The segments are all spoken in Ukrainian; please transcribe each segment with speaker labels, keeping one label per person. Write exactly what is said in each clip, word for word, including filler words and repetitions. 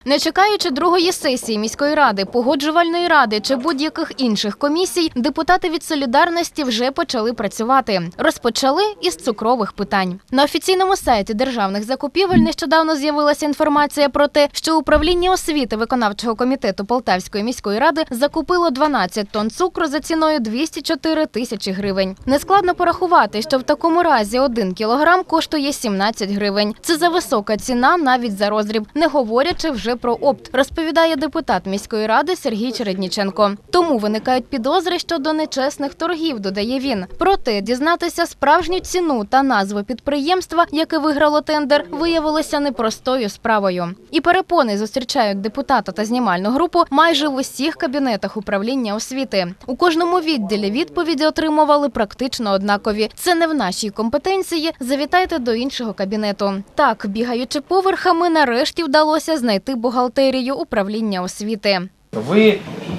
Speaker 1: Не чекаючи другої сесії міської ради, погоджувальної ради чи будь-яких інших комісій, депутати від «Солідарності» вже почали працювати. Розпочали із цукрових питань. На офіційному сайті державних закупівель нещодавно з'явилася інформація про те, що управління освіти виконавчого комітету Полтавської міської ради закупило дванадцять тонн цукру за ціною двісті чотири тисячі гривень. Нескладно порахувати, що в такому разі один кілограм коштує сімнадцять гривень. Це зависока ціна навіть за роздріб, не говорячи вже про опт, розповідає депутат міської ради Сергій Чередніченко. Тому виникають підозри щодо нечесних торгів, додає він. Проте дізнатися справжню ціну та назву підприємства, яке виграло тендер, виявилося непростою справою. І перепони зустрічають депутата та знімальну групу майже в усіх кабінетах управління освіти. У кожному відділі відповіді отримували практично однакові. Це не в нашій компетенції, завітайте до іншого кабінету. Так, бігаючи поверхами, нарешті вдалося знайти бухгалтерію управління освіти.
Speaker 2: Ви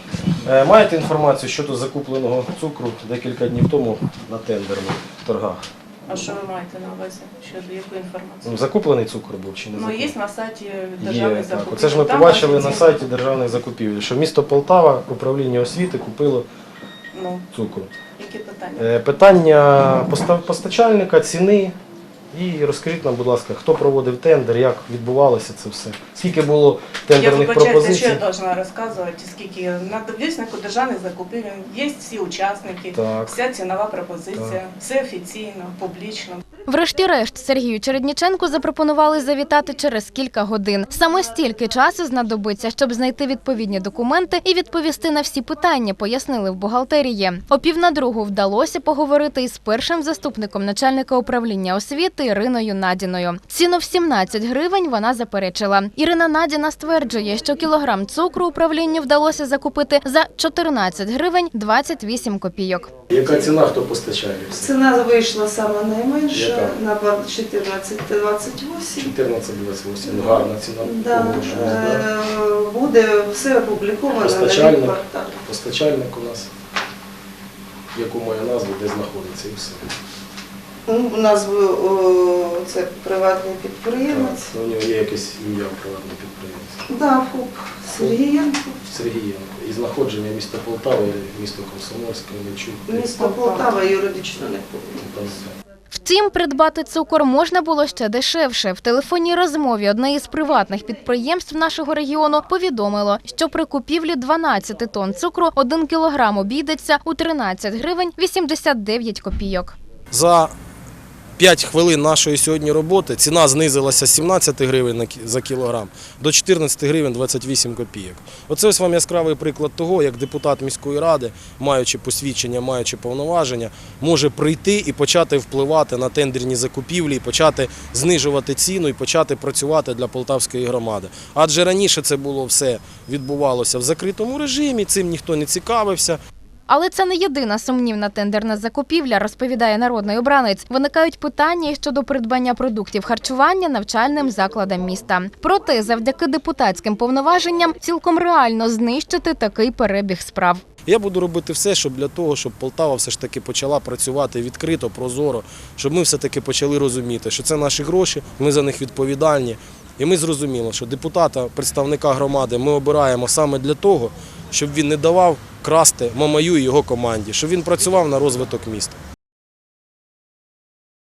Speaker 2: е, маєте інформацію щодо закупленого цукру декілька днів тому на тендерних торгах?
Speaker 3: А що ви маєте на увазі? Щодо якої інформації?
Speaker 2: Ну, закуплений цукор був чи не
Speaker 3: Ну,
Speaker 2: закуплений?
Speaker 3: є на сайті державних
Speaker 2: Є,
Speaker 3: закупівель.
Speaker 2: так. Оце ж ми
Speaker 3: Там
Speaker 2: побачили
Speaker 3: офіційно.
Speaker 2: на сайті державних закупівель, що місто Полтава, управління освіти купило
Speaker 3: Ну,
Speaker 2: цукру.
Speaker 3: які питання?
Speaker 2: Е, питання постав- постачальника, ціни. І розкажіть нам, будь ласка, хто проводив тендер, як відбувалося це все? Скільки було
Speaker 3: Я
Speaker 2: тендерних
Speaker 3: вибачайте, що
Speaker 2: пропозицій?
Speaker 3: я повинна розказувати, скільки на довіснику державних закупівель є всі учасники,
Speaker 2: Так.
Speaker 3: вся цінова пропозиція,
Speaker 2: Так.
Speaker 3: все офіційно, публічно.
Speaker 1: Врешті-решт Сергію Чередніченку запропонували завітати через кілька годин. Саме стільки часу знадобиться, щоб знайти відповідні документи і відповісти на всі питання, пояснили в бухгалтерії. О пів на другу вдалося поговорити із першим заступником начальника управління освіти Іриною Надіною. Ціну в сімнадцять гривень вона заперечила. Ірина Надіна стверджує, що кілограм цукру управлінню вдалося закупити за чотирнадцять гривень двадцять вісім копійок.
Speaker 2: Яка ціна, хто постачає?
Speaker 4: Ціна вийшла саме найменша
Speaker 2: Яка?
Speaker 4: на чотирнадцять двадцять вісім.
Speaker 2: чотирнадцять двадцять вісім. Гарна ціна.
Speaker 4: Да.
Speaker 2: Погоджуюсь, да.
Speaker 4: Е, Буде все опубліковано на
Speaker 2: Постачальник.
Speaker 4: порталі.
Speaker 2: Постачальник у нас, яку має назву, де знаходиться і все.
Speaker 4: Ну, у нас о, це приватний підприємець.
Speaker 2: У нього є якесь ім'я приватного підприємця.
Speaker 4: Да, ФОП Сергієнко.
Speaker 2: Сергієнко. І знаходження міста Полтава, місто Комсомольське, Мельчук.
Speaker 4: Місто Полтава юридично не повинно.
Speaker 1: Втім, придбати цукор можна було ще дешевше. В телефонній розмові одне із приватних підприємств нашого регіону повідомило, що при купівлі дванадцяти тонн цукру один кілограм обійдеться у тринадцять гривень вісімдесят дев'ять копійок.
Speaker 5: За п'ять хвилин нашої сьогодні роботи ціна знизилася з сімнадцяти гривень за кілограм до чотирнадцяти гривень двадцять вісім копійок. Оце ось вам яскравий приклад того, як депутат міської ради, маючи посвідчення, маючи повноваження, може прийти і почати впливати на тендерні закупівлі, і почати знижувати ціну і почати працювати для полтавської громади. Адже раніше це було все відбувалося в закритому режимі, цим ніхто не цікавився.
Speaker 1: Але це не єдина сумнівна тендерна закупівля, розповідає народний обранець. Виникають питання щодо придбання продуктів харчування навчальним закладам міста. Проте, завдяки депутатським повноваженням, цілком реально знищити такий перебіг справ.
Speaker 5: Я буду робити все, щоб для того, щоб Полтава все ж таки почала працювати відкрито, прозоро, щоб ми все-таки почали розуміти, що це наші гроші, ми за них відповідальні. І ми зрозуміли, що депутата, представника громади ми обираємо саме для того, щоб він не давав красти Мамаю і його команді, щоб він працював на розвиток міста.